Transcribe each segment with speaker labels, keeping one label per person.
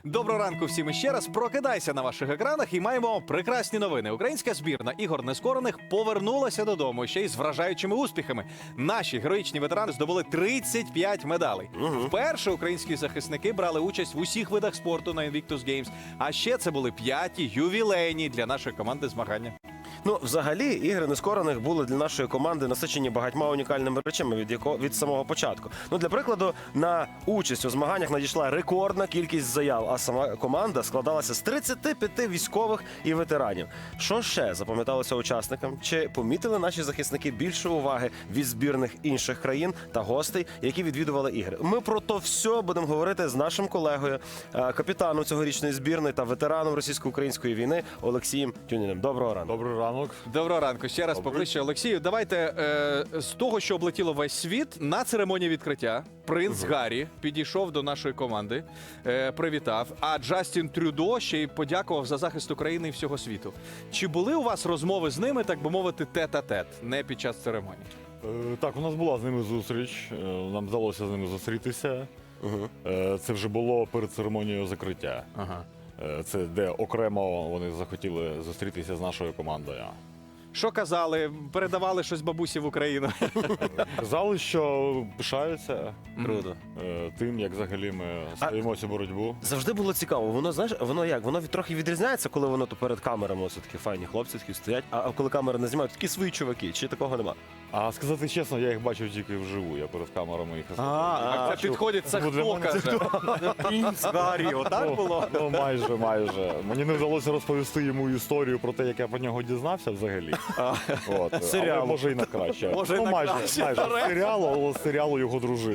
Speaker 1: Доброго ранку всім іще раз. Прокидайся на ваших екранах і маємо прекрасні новини. Українська збірна ігор нескорених повернулася додому ще й з вражаючими успіхами. Наші героїчні ветерани здобули 35 медалей. Вперше українські захисники брали участь в усіх видах спорту на Invictus Games. А ще це були 5-ті ювілейні для нашої команди змагання.
Speaker 2: Ну, взагалі, ігри нескорених були для нашої команди насичені багатьма унікальними речами від самого початку. Ну, для прикладу, на участь у змаганнях надійшла рекордна кількість заяв, а сама команда складалася з 35 військових і ветеранів. Що ще запам'яталося учасникам? Чи помітили наші захисники більше уваги від збірних інших країн та гостей, які відвідували ігри? Ми про то все будемо говорити з нашим колегою, капітаном цьогорічної збірної та ветераном російсько-української війни Олексієм Тюніним. Доброго ранку.
Speaker 3: Добрий ранок.
Speaker 1: Доброго ранку. Ще раз поближче, Олексію. Давайте з того, що облетіло весь світ, на церемонії відкриття принц Гаррі підійшов до нашої команди, привітав, а Джастін Трюдо ще й подякував за захист України і всього світу. Чи були у вас розмови з ними, так би мовити, тет-а-тет, не під час церемонії?
Speaker 3: Так, у нас була з ними зустріч, нам вдалося з ними зустрітися. Це вже було перед церемонією закриття.
Speaker 1: Ага.
Speaker 3: Це де окремо вони захотіли зустрітися з нашою командою.
Speaker 1: Що казали? Передавали щось бабусі в Україну?
Speaker 3: Казали, що пишаються
Speaker 2: Круто.
Speaker 3: тим, як взагалі ми стоїмо цю боротьбу.
Speaker 2: Завжди було цікаво. Воно, знаєш, воно як? Воно трохи відрізняється, коли воно то перед камерами ось такі файні хлопці такі стоять, а коли камери не знімають, такі свої чуваки. Чи такого нема?
Speaker 3: А сказати чесно, я їх бачив тільки вживу, я перед камерами їх
Speaker 1: А це підходить, це хто каже?
Speaker 2: Принц Гаррі, отак було?
Speaker 3: Ну, майже. Мені не вдалося розповісти йому історію про те, як я про нього дізнався взагалі. От.
Speaker 2: Серіалу.
Speaker 3: Але може і на краще.
Speaker 1: Може, і
Speaker 3: ну,
Speaker 1: на
Speaker 3: майже,
Speaker 1: краще.
Speaker 3: майже. Серіалу його дружини.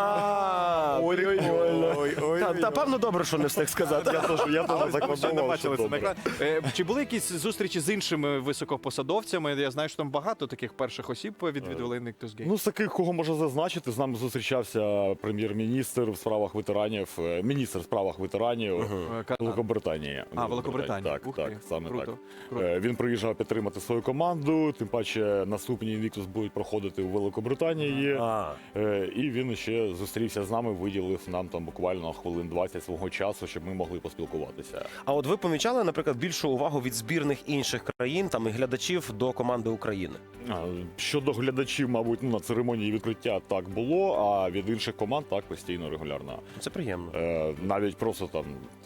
Speaker 2: Ой-ой-ой. Та певно добре, що не встиг сказати.
Speaker 3: Я теж
Speaker 1: Ще не
Speaker 3: закладував,
Speaker 1: бачили
Speaker 3: що
Speaker 1: це на
Speaker 3: добре.
Speaker 1: екрані. Чи були якісь зустрічі з іншими високопосадовцями? Я знаю, що там багато таких перших осіб відвідували Invictus Games.
Speaker 3: Ну, з таких, кого можна зазначити, з нами зустрічався прем'єр-міністр в справах ветеранів, міністр в справах ветеранів Великобританії.
Speaker 1: Великобританія.
Speaker 3: Так,
Speaker 1: Ух
Speaker 3: так,
Speaker 1: ти.
Speaker 3: саме
Speaker 1: Круто.
Speaker 3: так.
Speaker 1: Круто.
Speaker 3: Він приїжджав підтримати свою команду, тим паче наступні Invictus будуть проходити у Великобританії. І він ще зустрівся з нами, виділив нам там буквально хвилин 20 свого часу, щоб ми могли поспілкуватися.
Speaker 2: А от ви помічали, наприклад, більшу увагу від збірних інших країн там і глядачів до команди України?
Speaker 3: Щодо глядачів, мабуть, на церемонії відкриття так було, а від інших команд так постійно, регулярно.
Speaker 2: Це приємно.
Speaker 3: Навіть просто там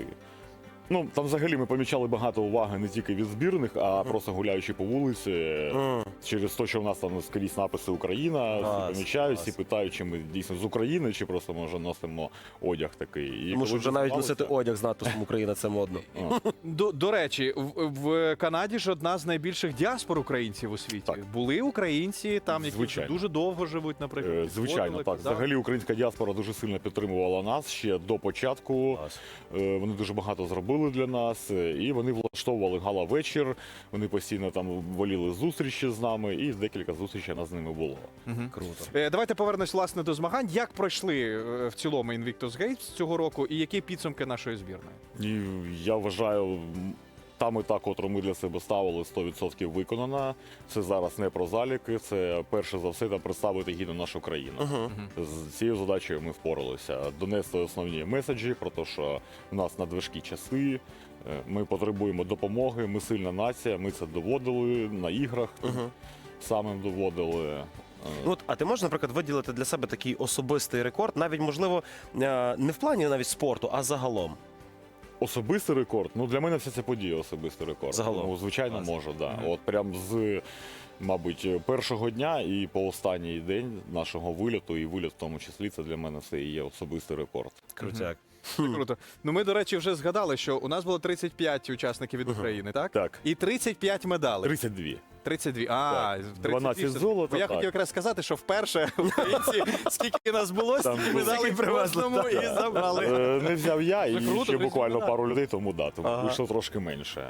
Speaker 3: ну, там взагалі ми помічали багато уваги не тільки від збірних, а просто гуляючи по вулиці, через те, що в нас там скрізь написи Україна, всі помічають, всі питають, чи ми дійсно з України, чи просто ми вже носимо одяг такий. І
Speaker 2: Тому що
Speaker 3: коли
Speaker 2: вже навіть
Speaker 3: дізналися-
Speaker 2: носити одяг з надписом Україна це модно.
Speaker 1: До речі, в Канаді ж одна з найбільших діаспор українців у світі.
Speaker 3: Так.
Speaker 1: Були українці там, які
Speaker 3: Звичайно.
Speaker 1: дуже довго живуть, наприклад.
Speaker 3: Звичайно,
Speaker 1: підходили,
Speaker 3: так.
Speaker 1: казали.
Speaker 3: Взагалі українська діаспора дуже сильно підтримувала нас ще до початку.
Speaker 2: Клас.
Speaker 3: Вони дуже багато зробили для нас, і вони влаштовували гала-вечір. Вони постійно там воліли зустрічі з нами, і декілька зустрічей у нас з ними було.
Speaker 2: Круто.
Speaker 1: Давайте повернемось, власне, до змагань. Як пройшли в цілому Invictus Games цього року і які підсумки нашої збірної?
Speaker 3: І я вважаю, та мета, котру ми для себе ставили, 100% виконана. Це зараз не про заліки, це перше за все там представити гідно нашу країну. З цією задачею ми впоралися. Донести основні меседжі про те, що в нас надважкі часи, ми потребуємо допомоги, ми сильна нація, ми це доводили на іграх, самим доводили.
Speaker 2: Ну, от, а ти можеш, наприклад, виділити для себе такий особистий рекорд, навіть, можливо, не в плані навіть спорту, а загалом?
Speaker 3: Особистий рекорд? Ну, для мене вся ця подія особистий рекорд.
Speaker 2: Загалом?
Speaker 3: Ну, звичайно, можу, да. От прям з, мабуть, першого дня і по останній день нашого виліту, і виліт в тому числі, це для мене все і є особистий рекорд.
Speaker 2: Крутяк.
Speaker 1: Круто. Ну ми, до речі, вже згадали, що у нас було 35 учасників від України, так?
Speaker 3: Так.
Speaker 1: І 35 35
Speaker 3: 32.
Speaker 1: 32.
Speaker 3: Так. 12 золота,
Speaker 1: Бо я
Speaker 3: так.
Speaker 1: хотів якраз сказати, що вперше українці, скільки нас було,
Speaker 3: Там
Speaker 1: стільки медалей
Speaker 2: скільки привезли,
Speaker 1: кожному і забрали.
Speaker 3: Не взяв я,
Speaker 1: Це
Speaker 3: і
Speaker 1: круто,
Speaker 3: ще буквально
Speaker 1: прикольно.
Speaker 3: пару людей, тому да, тому
Speaker 2: Ага.
Speaker 3: вийшло трошки менше.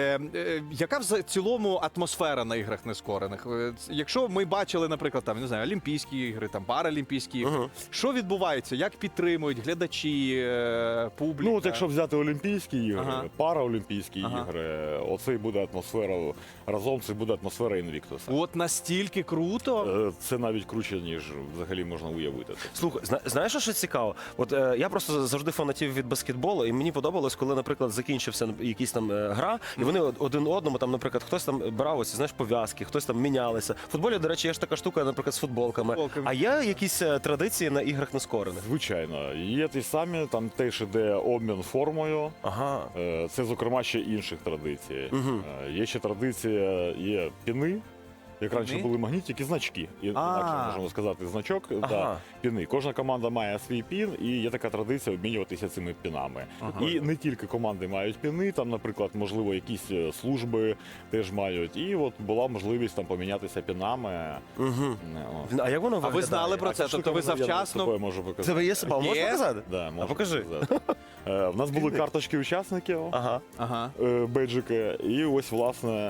Speaker 1: Яка в цілому атмосфера на іграх нескорених? Якщо ми бачили, наприклад, там, не знаю, Олімпійські ігри, там Паралімпійські ігри, що відбувається? Як підтримують глядачі, публіка?
Speaker 3: Ну, от якщо взяти Олімпійські ігри,
Speaker 1: Ага.
Speaker 3: Параолімпійські
Speaker 1: Ага.
Speaker 3: ігри, оце і буде атмосфера разом, це буде атмосфера Інвіктуса.
Speaker 1: От настільки круто.
Speaker 3: Це навіть круче, ніж взагалі можна уявити.
Speaker 2: Слухай, знаєш, що цікаво? От я просто завжди фанатів від баскетболу, і мені подобалось, коли, наприклад, закінчився якийсь там гра, і вони один одному, там, наприклад, хтось там брав ось, знаєш, пов'язки, хтось там мінялися. В футболі, до речі, є ж така штука, наприклад, з футболками. А є якісь традиції на іграх нескорених?
Speaker 3: Звичайно, є ті самі, там теж іде обмін формою.
Speaker 2: Ага.
Speaker 3: Це, зокрема, ще інших традицій. Є ще традиція, є піни. Як раніше були магнітики, значки. Інакше можемо сказати значок, да, піни. Кожна команда має свій пін, і є така традиція обмінюватися цими пінами. І не тільки команди мають піни, там, наприклад, можливо, якісь служби теж мають. І от була можливість там помінятися пінами.
Speaker 2: А як воно
Speaker 1: А
Speaker 2: виглядає?
Speaker 1: ви знали про це? Тобто ви
Speaker 3: Я тобою
Speaker 1: завчасно...
Speaker 3: можу показати.
Speaker 2: Це є себе, можна
Speaker 1: Є?
Speaker 2: показати?
Speaker 3: Да, можу
Speaker 2: покажи.
Speaker 3: показати. В нас були карточки учасників.
Speaker 2: Ага.
Speaker 3: Бейджики, і ось, власне,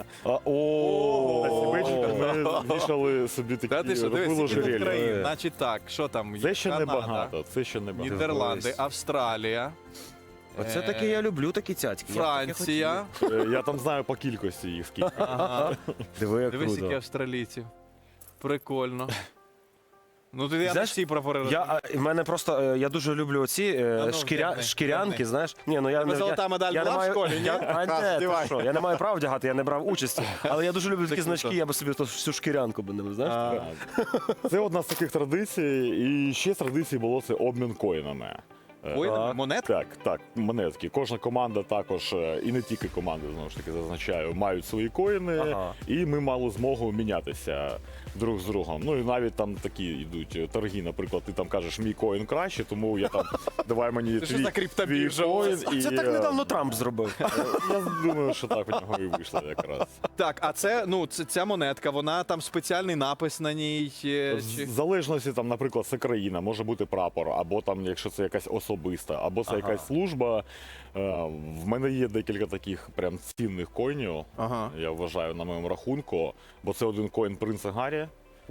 Speaker 2: О,
Speaker 3: на ці бейджики ми вішали собі
Speaker 1: Та
Speaker 3: такі,
Speaker 1: ти що,
Speaker 3: робили
Speaker 1: дивись,
Speaker 3: ожерелья.
Speaker 1: країн. Значить так, що там?
Speaker 3: Це ще не
Speaker 1: Канада,
Speaker 3: багато, це ще не багато.
Speaker 1: Нідерланди,
Speaker 2: Дивись.
Speaker 1: Австралія,
Speaker 2: Оце таке я люблю, такі цяцьки. Я б таке
Speaker 1: Франція.
Speaker 3: Я там знаю по кількості їх скільки.
Speaker 1: Ага.
Speaker 2: хотів. Диви, як
Speaker 1: Дивись, які
Speaker 2: круто.
Speaker 1: австралійців. Прикольно. Ну, ти я
Speaker 2: Знаєш,
Speaker 1: всі прапори
Speaker 2: В мене просто, я дуже люблю оці
Speaker 1: ну, вдягни,
Speaker 2: шкірянки,
Speaker 1: вдягни.
Speaker 2: знаєш. Ні, ну я
Speaker 1: Тебе золота медаль
Speaker 2: я не
Speaker 1: була в
Speaker 2: маю-
Speaker 1: школі, ні?
Speaker 2: А,
Speaker 1: Раз,
Speaker 2: ні, ти
Speaker 1: вдівай.
Speaker 2: що, я не маю права вдягати, я не брав участі. Але я дуже люблю такі
Speaker 1: круто.
Speaker 2: значки, я би собі то всю шкірянку би не знаєш.
Speaker 3: Це одна з таких традицій. І ще з традицій було це обмін коїнами.
Speaker 1: Ой,
Speaker 2: Так.
Speaker 1: монет?
Speaker 3: Так, монетки. Кожна команда також, і не тільки команди, знову ж таки, зазначаю, мають свої коїни,
Speaker 2: Ага.
Speaker 3: і ми мали змогу мінятися друг з другом. Ну і навіть там такі йдуть торги, наприклад, ти там кажеш, мій коін краще, тому я там, давай мені
Speaker 1: Це що за криптобіржа?
Speaker 3: коін.
Speaker 2: Це так недавно Трамп зробив.
Speaker 3: Я думаю, що так у нього і вийшло якраз.
Speaker 1: Так, а це, ну, ця монетка, вона там спеціальний напис на ній.
Speaker 3: В залежності, там, наприклад, це країна, може бути прапор, або там, якщо це якась особиста, або це якась служба. В мене є декілька таких прям цінних коїнів,
Speaker 1: Ага.
Speaker 3: я вважаю, на моєму рахунку, бо це один коін принца Гаррі.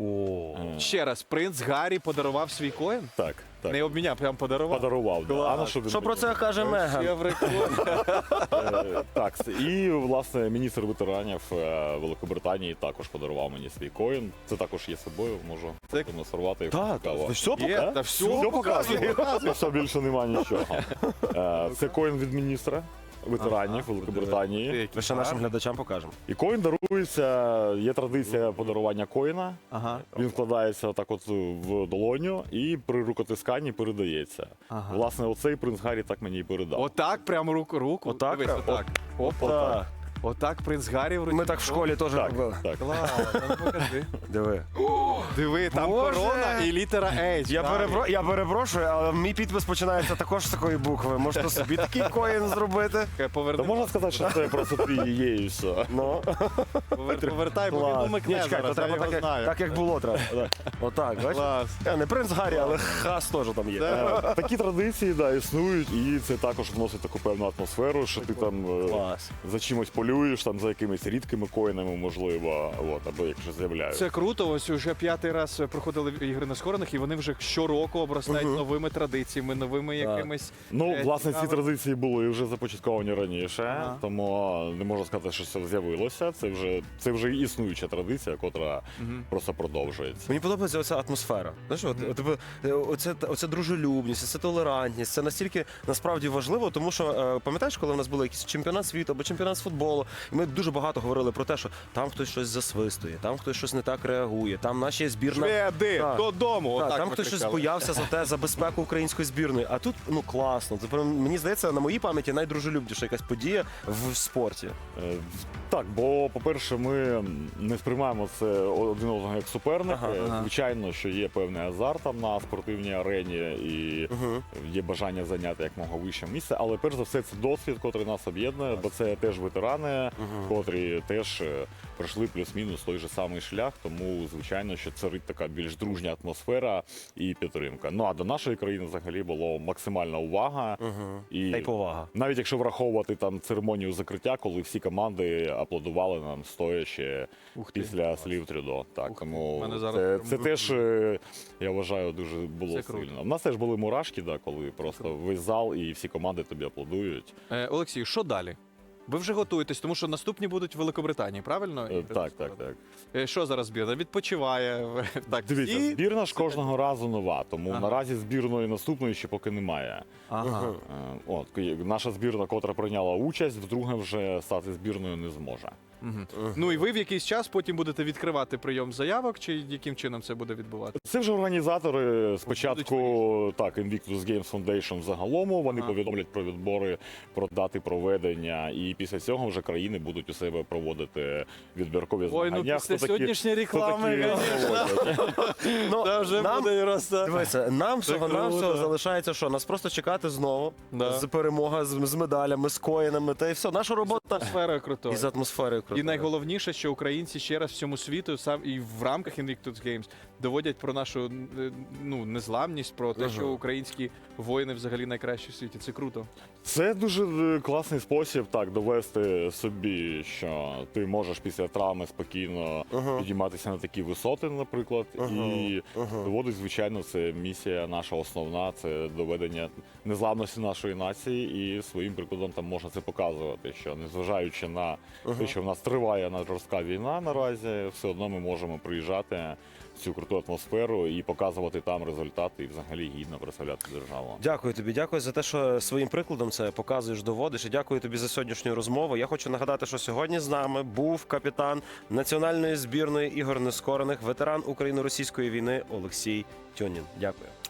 Speaker 1: Ще раз, принц Гаррі подарував свій коін?
Speaker 3: Так.
Speaker 1: Не обміняв, прям подарував.
Speaker 3: Подарував. Да. А на що він
Speaker 2: Що про
Speaker 3: мені?
Speaker 2: це каже Меган?
Speaker 1: Ще прикольно.
Speaker 3: Так, і, власне, міністр ветеранів Великобританії також подарував мені свій коін. Це також є з собою, можу
Speaker 1: Так.
Speaker 3: демонструвати.
Speaker 2: Так,
Speaker 3: Цікаво.
Speaker 2: ти що
Speaker 1: Є,
Speaker 2: показує?
Speaker 1: та все
Speaker 3: Все
Speaker 1: показує.
Speaker 3: показує. Все, більше нема нічого. Це коін від міністра ветеранів Великобританії.
Speaker 2: Ми ще нашим глядачам покажемо.
Speaker 3: І коін дарується, є традиція подарування коїна.
Speaker 1: Ага.
Speaker 3: Він вкладається так от в долоню і при рукотисканні передається.
Speaker 1: Ага.
Speaker 3: Власне, оцей принц Гаррі так мені і передав.
Speaker 1: Отак, прямо руку.
Speaker 2: Отак
Speaker 1: Дивись,
Speaker 2: прям?
Speaker 1: отак. Опа.
Speaker 2: Так.
Speaker 1: Отак принц Гаррі в руці.
Speaker 2: Ми так в школі теж
Speaker 3: Так,
Speaker 2: робили.
Speaker 3: так.
Speaker 1: Клас, ну покажи.
Speaker 2: Диви.
Speaker 1: Диви, там
Speaker 2: Боже!
Speaker 1: корона і літера H.
Speaker 2: Я перепрошую, але мій підпис починається також з такої букви. Можете собі такий коін зробити.
Speaker 3: Та можна сказати, що це просто твій є і все.
Speaker 2: Ну,
Speaker 1: Повертай, бо він
Speaker 2: клас.
Speaker 1: умикне
Speaker 2: Ні, чекай, то
Speaker 1: зараз, я
Speaker 2: треба
Speaker 1: його знаю.
Speaker 2: так, як було треба. Отак, бачиш?
Speaker 1: Клас.
Speaker 2: Не принц Гаррі, але хас теж там є.
Speaker 3: Такі традиції да, існують, і це також вносить таку певну атмосферу, що ти там
Speaker 2: Клас.
Speaker 3: за чимось полюєш, там за якимись рідкими коїнами, можливо, от, або якщо з'являються.
Speaker 1: Це круто. Ось уже 5-й раз проходили ігри нескорених, і вони вже щороку обростають новими традиціями, новими якимись.
Speaker 3: Ну, власне, ці
Speaker 1: цікавими.
Speaker 3: традиції були вже започатковані раніше,
Speaker 1: Ага.
Speaker 3: тому не можна сказати, що це з'явилося. Це вже існуюча традиція, котра просто продовжується.
Speaker 2: Мені подобається оця атмосфера. Знаєш, оце дружелюбність, це толерантність. Це настільки насправді важливо, тому що пам'ятаєш, коли в нас був якийсь чемпіонат світу або чемпіонат з футболу, і ми дуже багато говорили про те, що там хтось щось засвистує, там хтось щось не так реагує, там наші збірна.
Speaker 1: Шведи,
Speaker 2: Так.
Speaker 1: додому.
Speaker 2: Так,
Speaker 1: Отак
Speaker 2: там
Speaker 1: ми
Speaker 2: хтось щось
Speaker 1: кричали.
Speaker 2: боявся за безпеку української збірної. А тут ну класно. Це прям, мені здається, на моїй пам'яті найдружелюбніша якась подія в спорті.
Speaker 3: Так, бо, по-перше, ми не сприймаємо це один одного як суперники.
Speaker 1: Ага.
Speaker 3: Звичайно, що є певний азарт там на спортивній арені і є бажання зайняти якомога вище місце. Але перш за все це досвід, котрий нас об'єднує, бо це теж ветерани, котрі теж пройшли плюс-мінус той же самий шлях. Тому, звичайно, що царить така більш дружня атмосфера і підтримка. Ну а до нашої країни взагалі було максимальна увага. І
Speaker 2: Та й повага.
Speaker 3: навіть якщо враховувати там церемонію закриття, коли всі команди аплодували нам стоячи після слів Трюдо. Так,
Speaker 1: Ух ти,
Speaker 3: тому
Speaker 1: в мене зараз
Speaker 3: це
Speaker 1: прям
Speaker 3: теж, я вважаю, дуже було
Speaker 1: Це круто.
Speaker 3: сильно. У нас теж були мурашки, да, коли просто весь зал і всі команди тобі аплодують.
Speaker 1: Олексій, що далі? Ви вже готуєтесь, тому що наступні будуть в Великобританії, правильно?
Speaker 3: Так, так, так.
Speaker 1: Що зараз збірна? Відпочиває. Так,
Speaker 3: Дивіться,
Speaker 1: і-
Speaker 3: збірна ж кожного разу нова, тому
Speaker 1: Ага.
Speaker 3: наразі збірної наступної ще поки немає.
Speaker 1: Ага.
Speaker 3: От, наша збірна, котра прийняла участь, вдруге вже стати збірною не зможе.
Speaker 1: Мгм. Ну і ви в якийсь час потім будете відкривати прийом заявок, чи яким чином це буде відбуватися?
Speaker 3: Це вже організатори
Speaker 1: Будуть
Speaker 3: спочатку, так, Invictus Games Foundation загалом, вони
Speaker 1: Ага.
Speaker 3: повідомлять про відбори, про дати проведення, і після цього вже країни будуть у себе проводити відбіркові
Speaker 1: Ой,
Speaker 3: змагання.
Speaker 1: ну після
Speaker 3: Хто такі-
Speaker 1: сьогоднішньої
Speaker 3: хто
Speaker 1: реклами,
Speaker 3: такі
Speaker 1: звісно.
Speaker 3: проводять.
Speaker 2: Ну,
Speaker 1: Це вже
Speaker 2: нам,
Speaker 1: буде просто...
Speaker 2: дивися, нам
Speaker 1: Це
Speaker 2: всього-навсього
Speaker 1: круто.
Speaker 2: залишається що? Нас просто чекати знову
Speaker 1: Да.
Speaker 2: з перемога, з медалями, з коїнами, та і все. Наша робота
Speaker 1: Атмосфера крутою.
Speaker 2: і з атмосферою
Speaker 1: І
Speaker 2: крутою.
Speaker 1: найголовніше, що українці ще раз всьому світу сам і в рамках Invictus Games доводять про нашу незламність, про те, що українські воїни взагалі найкращі в світі. Це круто.
Speaker 3: Це дуже класний спосіб так довести собі, що ти можеш після травми спокійно підійматися на такі висоти, наприклад. І доводить, звичайно, це місія наша основна, це доведення незламності нашої нації, і своїм прикладом там можна це показувати, що незважаючи на те, що в нас триває жорстка війна наразі, все одно ми можемо приїжджати в цю круту атмосферу і показувати там результати, і взагалі гідно представляти державу.
Speaker 2: Дякую тобі, дякую за те, що своїм прикладом це показуєш, доводиш. І дякую тобі за сьогоднішню розмову. Я хочу нагадати, що сьогодні з нами був капітан національної збірної ігор нескорених, ветеран Україно-російської війни Олексій Тьонін. Дякую.